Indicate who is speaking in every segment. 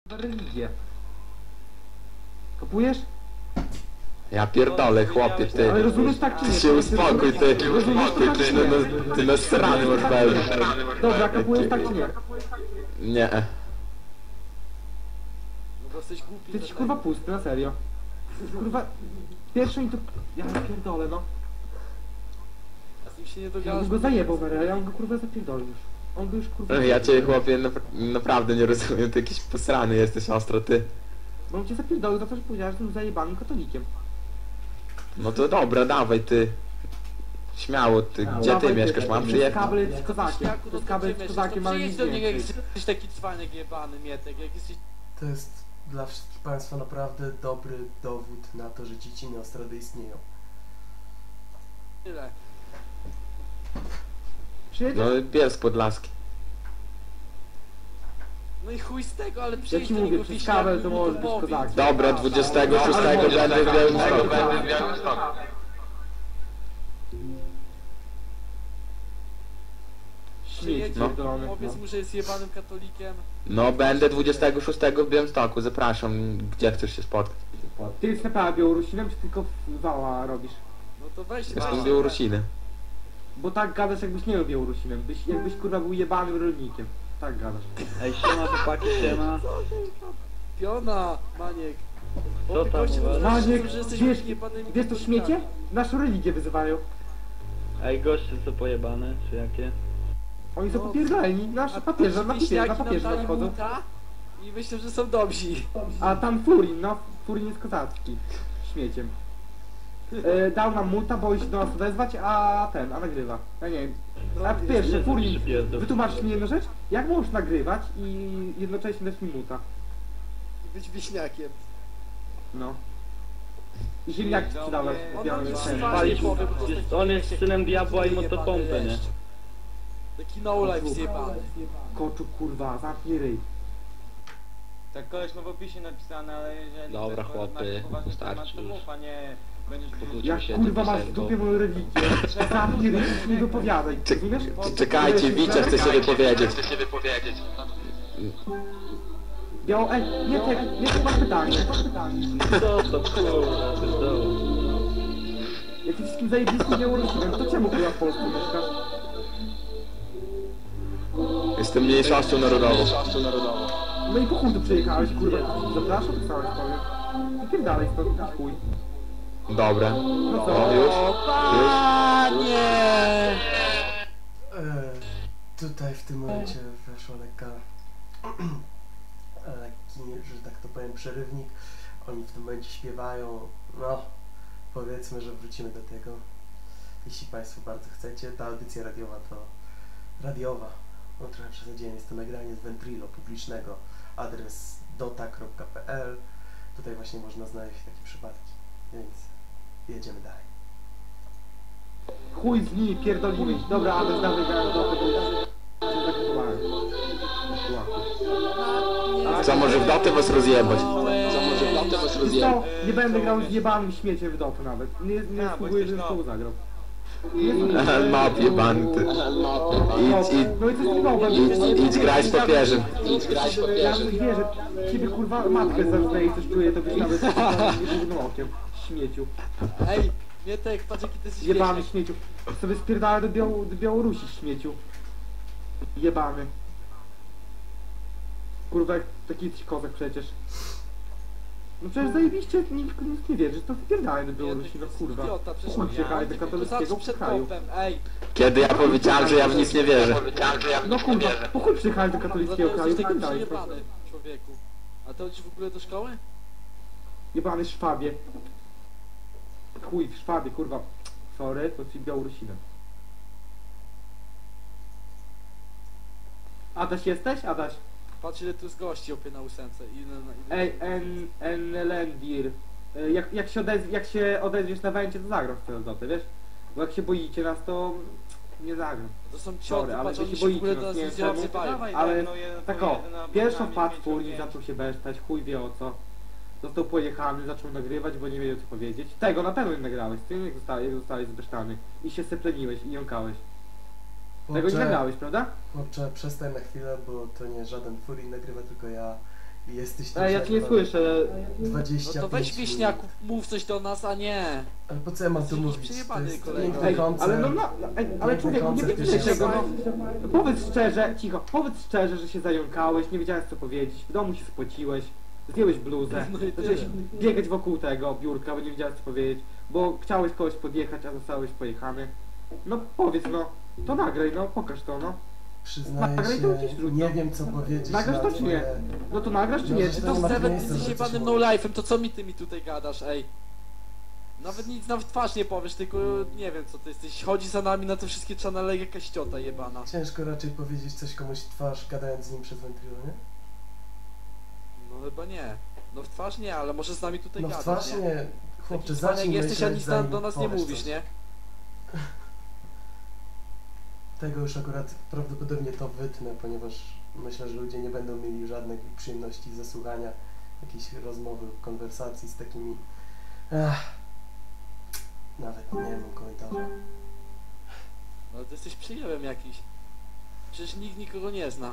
Speaker 1: religię. Kupujesz?
Speaker 2: Ja pierdolę, chłopie, ty.
Speaker 1: Ale rozumiesz tak czy nie?
Speaker 2: Ty się uspokój, ty. Ty na strony masz pełny.
Speaker 1: Dobra, kupujesz tak czy nie?
Speaker 2: Nie.
Speaker 3: No bo jesteś głupi.
Speaker 1: Ty jesteś kurwa pusty, na serio. Kurwa, pierwszy mi to... Ja pierdolę, no.
Speaker 3: A z nim się nie
Speaker 1: Ja
Speaker 3: dogadasz.
Speaker 1: bym go zajebał, Mara, ja bym go kurwa zapierdolił już. On by już kurwa...
Speaker 2: Ja cię, chłopie, naprawdę nie rozumiem, ty jakiś posrany jesteś ostro, ty.
Speaker 1: Bo on cię zapierdolił za to, że powiedziałeś, że jestem zajebanym katolikiem.
Speaker 2: No to dobra, dawaj, ty. Śmiało, ty. Gdzie ty mieszkasz? Mam przyjechać?
Speaker 1: Kabel z kozakiem.
Speaker 3: Jaku,
Speaker 1: To jest
Speaker 3: to
Speaker 1: kabel
Speaker 3: gdzie
Speaker 1: z
Speaker 3: mieszkasz?
Speaker 1: kozakiem,
Speaker 3: To
Speaker 1: ale
Speaker 3: przyjedź
Speaker 1: nic
Speaker 3: do niego, jak
Speaker 1: więcej.
Speaker 3: jesteś taki cwanek jebany, Mietek, jak jesteś...
Speaker 4: To jest dla wszystkich Państwa naprawdę dobry dowód na to, że dzieci Neostrady istnieją.
Speaker 3: Tyle.
Speaker 1: Przyjedzie?
Speaker 2: No, Bielsk Podlaski.
Speaker 3: No i chuj z tego, ale
Speaker 1: Ja
Speaker 3: przyjedź
Speaker 1: ci
Speaker 3: do
Speaker 1: mówię,
Speaker 3: niego
Speaker 1: przez
Speaker 3: wiśniaku
Speaker 1: kabel
Speaker 3: i
Speaker 1: to
Speaker 3: mu
Speaker 1: może być
Speaker 3: powiedz.
Speaker 1: kozakiem.
Speaker 2: Dobra, 26 będę w Białymstoku.
Speaker 1: Śmieć
Speaker 3: Przyjedź,
Speaker 2: No.
Speaker 1: pierdolony.
Speaker 3: powiedz mu, że jest jebanym katolikiem.
Speaker 2: No, będę 26 w Białymstoku, zapraszam. Gdzie chcesz się spotkać?
Speaker 1: Ty jesteś naprawdę Białorusinem, czy tylko wała robisz?
Speaker 3: No to weź
Speaker 2: Jestem z Białorusiny.
Speaker 1: Bo tak gadasz, jakbyś nie był Białorusinem. Jakbyś kurwa był jebanym rolnikiem. Tak gadasz.
Speaker 5: Ej, siema chłopaki, siema.
Speaker 3: Piona, Maniek.
Speaker 5: Co tam
Speaker 3: goście
Speaker 5: u was?
Speaker 3: mówią,
Speaker 1: Maniek,
Speaker 3: że jesteśmy
Speaker 1: wiesz,
Speaker 3: jebanymi
Speaker 1: wiesz to
Speaker 3: katolikami.
Speaker 1: śmiecie? Naszą religię wyzywają.
Speaker 5: Ej, goście co pojebane, czy jakie?
Speaker 1: Oni są
Speaker 3: No,
Speaker 1: popierdoleni. Nasz papieża, na
Speaker 3: wiśniaki
Speaker 1: papieża
Speaker 3: nam dali
Speaker 1: wchodzą.
Speaker 3: buta i myślę, że są dobrzy.
Speaker 1: A tam Furin, no. Furin jest kozacki. Śmieciem. Dał nam muta, boi się do nas wezwać, a nagrywa. Ja nie wiem. A po pierwsze,
Speaker 5: Jezu,
Speaker 1: Furin,
Speaker 5: przypierdol.
Speaker 1: wytłumaczysz mi jedną rzecz? Jak możesz nagrywać i jednocześnie dać mi muta?
Speaker 3: I być wiśniakiem.
Speaker 1: No. I ziemniaki sprzedałeś w
Speaker 3: On
Speaker 1: białym
Speaker 3: nam nic
Speaker 1: cenie.
Speaker 3: twarzy
Speaker 5: Palić
Speaker 3: nie powie, bo to
Speaker 5: jest- on jest synem diabła i motopompę, nie?
Speaker 3: Taki no life zjebany.
Speaker 1: Koczu kurwa, zamknij ryj.
Speaker 6: Tak koleś ma w opisie napisane, ale jeżeli
Speaker 2: Dobra,
Speaker 6: chcesz
Speaker 2: chłopy,
Speaker 6: porozmawiać poważnie, to
Speaker 2: starczy
Speaker 6: masz to
Speaker 2: już.
Speaker 6: mów, a nie będziesz
Speaker 1: Jak
Speaker 2: się
Speaker 1: kurwa
Speaker 2: tym
Speaker 1: masz w
Speaker 2: piosenką.
Speaker 1: dupie moją religię, zamknij ryj i nie wypowiadaj, rozumiesz?
Speaker 2: Czekajcie, Wicia chce się wypowiedzieć.
Speaker 1: Nie tak masz pytanie.
Speaker 5: Co to kurwa, pierdolę.
Speaker 1: Jak ty wszystkim zajebistym Białorusinem, to czemu kurwa w Polsce mieszkasz?
Speaker 2: Jestem mniejszością narodową.
Speaker 1: No i po chuj tu przyjechałeś, kurwa, zapraszam, tak samo ci powiem. Wypierdalaj stąd, chuj.
Speaker 2: Dobra.
Speaker 1: No co?
Speaker 2: O, już?
Speaker 4: Tutaj w tym momencie weszła lekki, że tak to powiem, przerywnik. Oni w tym momencie śpiewają. No, powiedzmy, że wrócimy do tego. Jeśli Państwo bardzo chcecie, ta audycja radiowa to radiowa. No trochę przesadziłem, jest to nagranie z Ventrilo publicznego. Adres dota.pl. Tutaj właśnie można znaleźć takie przypadki. Więc jedziemy dalej.
Speaker 1: Chuj z nimi, pierdolimy ich. Dobra, ale dawaj grałem do tego. Cię zakupowałem.
Speaker 2: Co, może w dotę was rozjebać?
Speaker 1: Wiesz co? Nie będę grał z jebanym śmieciem w dotę nawet. Nie
Speaker 6: bo
Speaker 1: spróbuję,
Speaker 6: jesteś
Speaker 1: żebym
Speaker 6: nowy.
Speaker 1: to zagrał.
Speaker 2: Map jebany, ty.
Speaker 1: No i co z tym nowym?
Speaker 2: Idź grać z papieżem.
Speaker 1: Ja bym wie, że ciebie kurwa matkę zarżnęli i coś czuję, to byś nawet jednym okiem. Śmieciu.
Speaker 3: Ej, Mietek, patrz jaki ty jesteś
Speaker 1: Jebany
Speaker 3: wiśniak.
Speaker 1: śmieciu. Sobie spierdala do Białorusi śmieciu. Jebany. Kurwa, jak taki jesteś kozak przecież. No przecież zajebiście, nikt nie wierzy, to spierdalaj do Białorusi, no kurwa.
Speaker 3: Idiota, przecież
Speaker 1: Chuj przyjechałeś do
Speaker 3: to
Speaker 1: katolickiego
Speaker 3: zawsze przed
Speaker 1: kraju.
Speaker 3: kompem, ej.
Speaker 2: Kiedy ja powiedziałem, że ja w nic nie wierzę.
Speaker 1: No kurwa, po chuj przyjechałeś do
Speaker 3: Za to
Speaker 1: katolickiego kraju,
Speaker 3: jesteś taki
Speaker 1: spierdalaj.
Speaker 3: przejebany, człowieku. A to chodzisz w ogóle do szkoły?
Speaker 1: Jebany Szwabie. Chuj w Szwabie, kurwa. Sorry, to ci Białorusinem. Adaś jesteś? Adaś.
Speaker 3: Patrz ile tu jest gości opie na ósemce.
Speaker 1: Ej, Lendir. Jak się odezwiesz na węcie, to zagram w tę dotę, wiesz? Bo jak się boicie nas, to nie zagram.
Speaker 3: To są
Speaker 1: Sorry,
Speaker 3: cioty,
Speaker 1: ale
Speaker 3: patrz,
Speaker 1: wy
Speaker 3: oni
Speaker 1: się
Speaker 3: się w ogóle
Speaker 1: boicie
Speaker 3: do nas
Speaker 1: nas,
Speaker 3: nie
Speaker 1: nie wiem czemu.
Speaker 3: odzywają.
Speaker 1: Ale
Speaker 6: no, jeden
Speaker 1: tak o,
Speaker 6: powie na
Speaker 1: pierwszą
Speaker 6: programie
Speaker 1: wpadł
Speaker 6: 5
Speaker 1: Furin,
Speaker 6: zdjęć.
Speaker 1: zaczął się besztać, chuj wie o co. Został pojechany, zaczął nagrywać, bo nie wiedział co powiedzieć. Tego na pewno nie nagrałeś, ty jak zostałeś zbesztany. I się sepleniłeś i jąkałeś. Tego nie nagrałeś, prawda?
Speaker 4: Chłopcze, przestań na chwilę, bo to nie żaden Furin nagrywa, tylko ja Jesteś tu
Speaker 1: Ej, ja cię nie
Speaker 4: przed
Speaker 1: słyszę.
Speaker 4: 25
Speaker 3: No to weź
Speaker 4: minut.
Speaker 3: wieśniaku, mów coś do nas, a nie.
Speaker 4: Ale po co ja mam tu
Speaker 3: Jesteś
Speaker 4: mówić? To
Speaker 3: przejebany,
Speaker 4: jest
Speaker 3: kolego.
Speaker 4: piękny
Speaker 1: Ej,
Speaker 4: koncert.
Speaker 1: ale ale
Speaker 4: Piękny
Speaker 1: człowieku, nie
Speaker 4: koncert,
Speaker 1: wiecie czego, no.
Speaker 4: wiesz.
Speaker 1: Powiedz szczerze, cicho, powiedz szczerze, że się zająkałeś, nie wiedziałeś co powiedzieć, w domu się spociłeś, zdjąłeś bluzę,
Speaker 3: No i
Speaker 1: zacząłeś
Speaker 3: tyle.
Speaker 1: biegać wokół tego biurka, bo nie wiedziałeś co powiedzieć, bo chciałeś kogoś podjechać, a zostałeś pojechany. No powiedz, no, to nagraj, no, pokaż to, no.
Speaker 4: Przyznaję
Speaker 1: Nagraj to gdzieś
Speaker 4: się,
Speaker 1: wrzuć,
Speaker 4: nie
Speaker 1: no.
Speaker 4: wiem co powiedzieć
Speaker 1: Nagrasz
Speaker 4: na
Speaker 1: to czy nie?
Speaker 4: twoje...
Speaker 1: No to nagrasz czy
Speaker 4: No,
Speaker 1: nie?
Speaker 4: że
Speaker 1: Czy
Speaker 4: to
Speaker 1: to
Speaker 4: nie ma
Speaker 3: Nawet
Speaker 4: miejsca,
Speaker 3: jesteś
Speaker 4: żeby
Speaker 3: jebanym
Speaker 4: coś
Speaker 3: no life'em, to co mi ty mi tutaj gadasz, ej? Nawet nic na twarz nie powiesz, tylko nie wiem co ty jesteś. Chodzi za nami na te wszystkie channele jakaś ciota jebana.
Speaker 4: Ciężko raczej powiedzieć coś komuś w twarz, gadając z nim przez wentrilo, nie?
Speaker 3: No chyba nie. No w twarz nie, ale może z nami tutaj
Speaker 4: No w
Speaker 3: gadasz,
Speaker 4: twarz
Speaker 3: nie?
Speaker 4: nie. Chłopcze,
Speaker 3: Taki cwaniak
Speaker 4: zacznij
Speaker 3: jesteś, a
Speaker 4: myśleć,
Speaker 3: nic
Speaker 4: zanim
Speaker 3: do nas nie
Speaker 4: powiesz
Speaker 3: mówisz,
Speaker 4: coś.
Speaker 3: nie?
Speaker 4: Tego już akurat prawdopodobnie to wytnę, ponieważ myślę, że ludzie nie będą mieli żadnej przyjemności ze słuchania jakiejś rozmowy, konwersacji z takimi... Nawet nie mam komentarza.
Speaker 3: No ty jesteś przyjemem jakiś. Przecież nikt nikogo nie zna.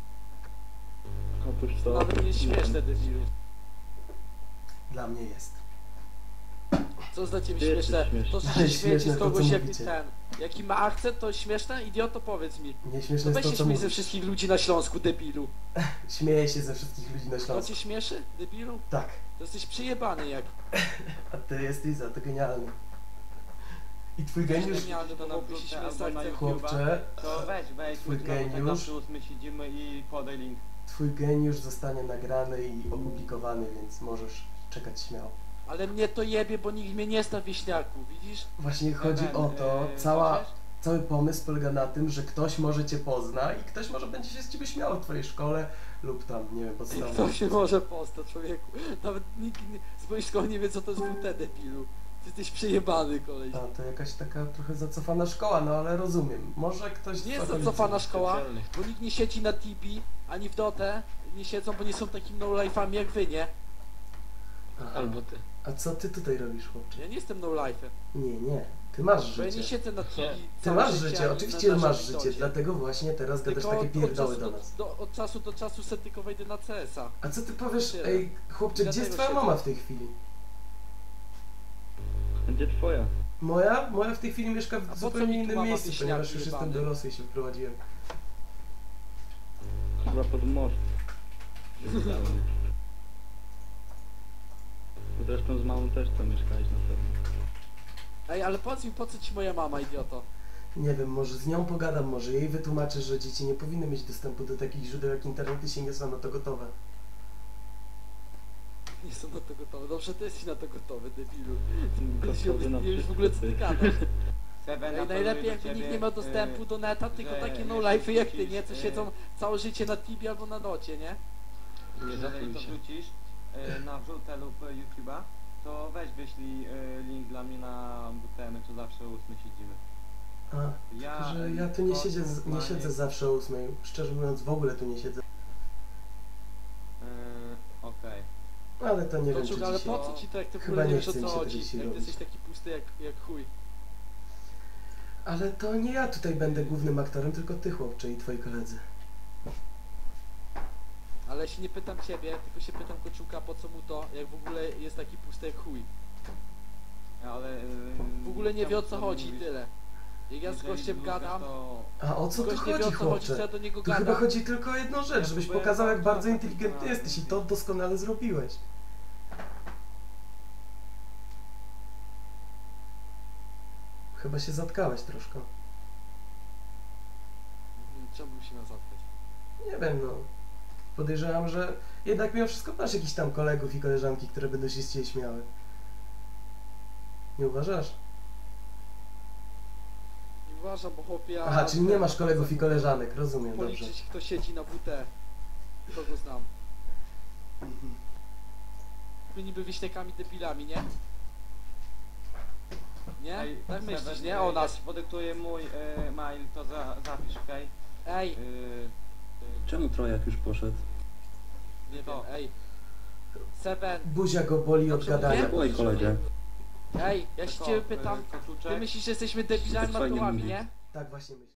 Speaker 5: Otóż
Speaker 3: To
Speaker 5: to.
Speaker 3: nawet nie jest śmieszne, debilu.
Speaker 4: Dla mnie jest.
Speaker 3: Co dla ciebie
Speaker 5: Ty jesteś
Speaker 3: śmieszne?
Speaker 5: śmieszny.
Speaker 3: To, że
Speaker 4: Ale
Speaker 3: się śmieci
Speaker 4: śmieszne
Speaker 3: z
Speaker 4: to,
Speaker 3: kogoś
Speaker 4: co
Speaker 3: jak
Speaker 4: mówicie.
Speaker 3: ten. Jaki ma akcent, to śmieszne? Idioto, powiedz mi.
Speaker 4: Nie
Speaker 3: To
Speaker 4: śmieszne
Speaker 3: weź
Speaker 4: jest
Speaker 3: się
Speaker 4: to, co
Speaker 3: śmiej ze
Speaker 4: mówisz.
Speaker 3: wszystkich ludzi na Śląsku, debilu.
Speaker 4: Śmieję się ze wszystkich ludzi na
Speaker 3: To
Speaker 4: Śląsku.
Speaker 3: cię śmieszy, debilu?
Speaker 4: Tak.
Speaker 3: To jesteś przyjebany jak.
Speaker 4: A ty jesteś za to genialny. I twój geniusz,
Speaker 3: Genialny,
Speaker 6: To
Speaker 3: bo
Speaker 6: na
Speaker 3: mógłbyś się
Speaker 6: wkrótce
Speaker 3: śmiać z
Speaker 6: albo na
Speaker 3: akcentu.
Speaker 4: chłopcze,
Speaker 6: To weź,
Speaker 4: Twój
Speaker 6: jutro,
Speaker 4: geniusz.
Speaker 6: tak zawsze 8 siedzimy i podaj link.
Speaker 4: twój geniusz zostanie nagrany i opublikowany, więc możesz czekać śmiało.
Speaker 3: Ale mnie to jebie, bo nikt mnie nie zna, wieśniaku, widzisz?
Speaker 4: Właśnie chodzi
Speaker 6: Ewen,
Speaker 4: o to,
Speaker 6: możesz?
Speaker 4: cały pomysł polega na tym, że ktoś może cię pozna i ktoś może będzie się z ciebie śmiał w twojej szkole lub tam, nie wiem,
Speaker 3: Kto
Speaker 4: podstawowej.
Speaker 3: się może postać, człowieku? Nawet nikt z mojej szkoły nie wie, co to jest WT, debilu. Ty jesteś przejebany, koleś.
Speaker 4: A, to jakaś taka trochę zacofana szkoła, no ale rozumiem. Może ktoś...
Speaker 3: Nie
Speaker 4: z
Speaker 3: jest
Speaker 4: okolicy-
Speaker 3: zacofana szkoła,
Speaker 2: Specjalnych.
Speaker 3: bo nikt nie siedzi na TB, ani w Dotę. Nie siedzą, bo nie są takimi no-life'ami jak wy, nie?
Speaker 4: Aha.
Speaker 2: Albo ty.
Speaker 4: A co ty tutaj robisz, chłopcze?
Speaker 3: Ja nie jestem no-life'em,
Speaker 4: Nie. Ty masz
Speaker 3: bo ja nie
Speaker 4: życie.
Speaker 3: siedzę na TB.
Speaker 4: Ty
Speaker 3: całe
Speaker 4: masz
Speaker 3: życie,
Speaker 4: życie,
Speaker 3: ani
Speaker 4: oczywiście,
Speaker 3: na
Speaker 4: że masz
Speaker 3: naszym
Speaker 4: życie,
Speaker 3: Docie.
Speaker 4: dlatego właśnie teraz gadasz
Speaker 3: Tylko
Speaker 4: takie pierdoły
Speaker 3: od
Speaker 4: do
Speaker 3: czasu
Speaker 4: nas.
Speaker 3: od czasu do czasu sobie tylko wejdę na CS-a.
Speaker 4: A co ty powiesz,
Speaker 3: Tyle.
Speaker 4: ej, chłopcze, gdzie jest
Speaker 3: Dlatego
Speaker 4: twoja
Speaker 3: siedzę.
Speaker 4: mama w tej chwili?
Speaker 5: Gdzie twoja?
Speaker 4: Moja? Moja w tej chwili mieszka
Speaker 3: A po
Speaker 4: w
Speaker 3: co
Speaker 4: zupełnie
Speaker 3: mi tu
Speaker 4: innym
Speaker 3: mama
Speaker 4: miejscu,
Speaker 3: wieśniaki
Speaker 4: ponieważ już jestem
Speaker 3: jebany?
Speaker 4: dorosły i się wyprowadziłem.
Speaker 5: Chyba pod most. Zresztą z mamą też tam mieszkałeś na pewno.
Speaker 3: Ej, ale powiedz mi, po co ci moja mama, idioto?
Speaker 4: Nie wiem, może z nią pogadam, może jej wytłumaczę, że dzieci nie powinny mieć dostępu do takich źródeł jak internet i się nie są na to gotowe.
Speaker 3: Nie są na to gotowe. Dobrze, ty jesteś na to gotowy, debilu. Ty się
Speaker 5: Gotowy na
Speaker 3: nie wiesz w ogóle co ty
Speaker 5: wszystko.
Speaker 3: gadasz.
Speaker 6: Seven,
Speaker 3: Ej, najlepiej jakby nikt nie miał dostępu do neta, tylko
Speaker 6: że
Speaker 3: takie
Speaker 6: nie
Speaker 3: no-life'y jak ty,
Speaker 6: wrzucisz,
Speaker 3: nie? Co siedzą całe życie na Tibie albo na Docie, nie?
Speaker 2: Nie
Speaker 6: Jeżeli
Speaker 2: zapnij
Speaker 6: to
Speaker 2: się.
Speaker 6: wrzucisz na wrzutę lub YouTube'a, to weź wyślij link dla mnie na WTM, to zawsze 8 siedzimy.
Speaker 4: A,
Speaker 6: Ja,
Speaker 4: tylko, że ja tu nie
Speaker 6: Kościół,
Speaker 4: siedzę zawsze o 8. Szczerze mówiąc, w ogóle tu nie siedzę.
Speaker 6: Okej.
Speaker 4: Ale to nie wiem, czy
Speaker 3: Koczuk, ale
Speaker 4: dzisiaj...
Speaker 3: po co ci to, jak ty w
Speaker 4: Chyba
Speaker 3: ogóle nie
Speaker 4: nie
Speaker 3: wiesz o
Speaker 4: chce mi
Speaker 3: co
Speaker 4: się tego
Speaker 3: chodzi?
Speaker 4: dzisiaj
Speaker 3: Jak ty
Speaker 4: robić.
Speaker 3: jesteś taki pusty jak chuj.
Speaker 4: Ale to nie ja tutaj będę głównym aktorem, tylko ty, chłopcze, i twoi koledzy.
Speaker 3: Ale ja się nie pytam ciebie, tylko się pytam Koczuka, po co mu to, jak w ogóle jest taki pusty jak chuj.
Speaker 6: Ale...
Speaker 3: W ogóle nie wie o co
Speaker 6: chciałbym
Speaker 3: chodzi i
Speaker 6: mówić,
Speaker 3: tyle. Jak ja z
Speaker 6: jeżeli
Speaker 3: gościem
Speaker 6: lubisz,
Speaker 3: gadam,
Speaker 6: to-
Speaker 4: A o co tu
Speaker 3: gość nie wie
Speaker 4: chodzi,
Speaker 3: o co chodzi, co ja
Speaker 4: chłopcze?
Speaker 3: do niego
Speaker 4: Tu chyba
Speaker 3: gadam.
Speaker 4: chodzi tylko o jedną rzecz,
Speaker 6: Ja
Speaker 4: żebyś
Speaker 6: próbuję
Speaker 4: pokazał, jak bardzo
Speaker 6: bardzo
Speaker 4: inteligentny
Speaker 6: tak
Speaker 4: jesteś i to doskonale zrobiłeś. Chyba się zatkałeś troszkę.
Speaker 3: Czemu bym się miał zatkać?
Speaker 4: Nie wiem, no. Podejrzewam, że jednak mimo wszystko masz jakichś tam kolegów i koleżanki, które będą się z ciebie śmiały. Nie uważasz?
Speaker 3: Nie uważam, bo chłopie... ja-
Speaker 4: Aha, czyli nie masz kolegów i koleżanek, rozumiem, dobrze.
Speaker 3: Policzyć, kto siedzi na WT. Kogo znam.
Speaker 4: Mhm.
Speaker 3: My niby wieśniakami debilami, nie? Nie?
Speaker 6: Ej,
Speaker 3: Tak
Speaker 6: Seven,
Speaker 3: myślisz, nie?
Speaker 6: ja
Speaker 3: O nas.
Speaker 6: ci podyktuję mój mail, to zapisz, okej?
Speaker 3: Ej,
Speaker 7: Czemu Trojak już poszedł?
Speaker 3: nie wiem,
Speaker 6: to.
Speaker 3: ej. Seven,
Speaker 4: Buzia go boli od
Speaker 3: Dobrze
Speaker 4: gadania.
Speaker 3: mówię?
Speaker 7: Oj, kolegę.
Speaker 3: ej, ja się ciebie pytam. Ty
Speaker 6: Koczuczek.
Speaker 3: myślisz, że jesteśmy debilami
Speaker 7: Fajnie
Speaker 3: matołami,
Speaker 7: mówi.
Speaker 3: nie?
Speaker 4: Tak właśnie myślę.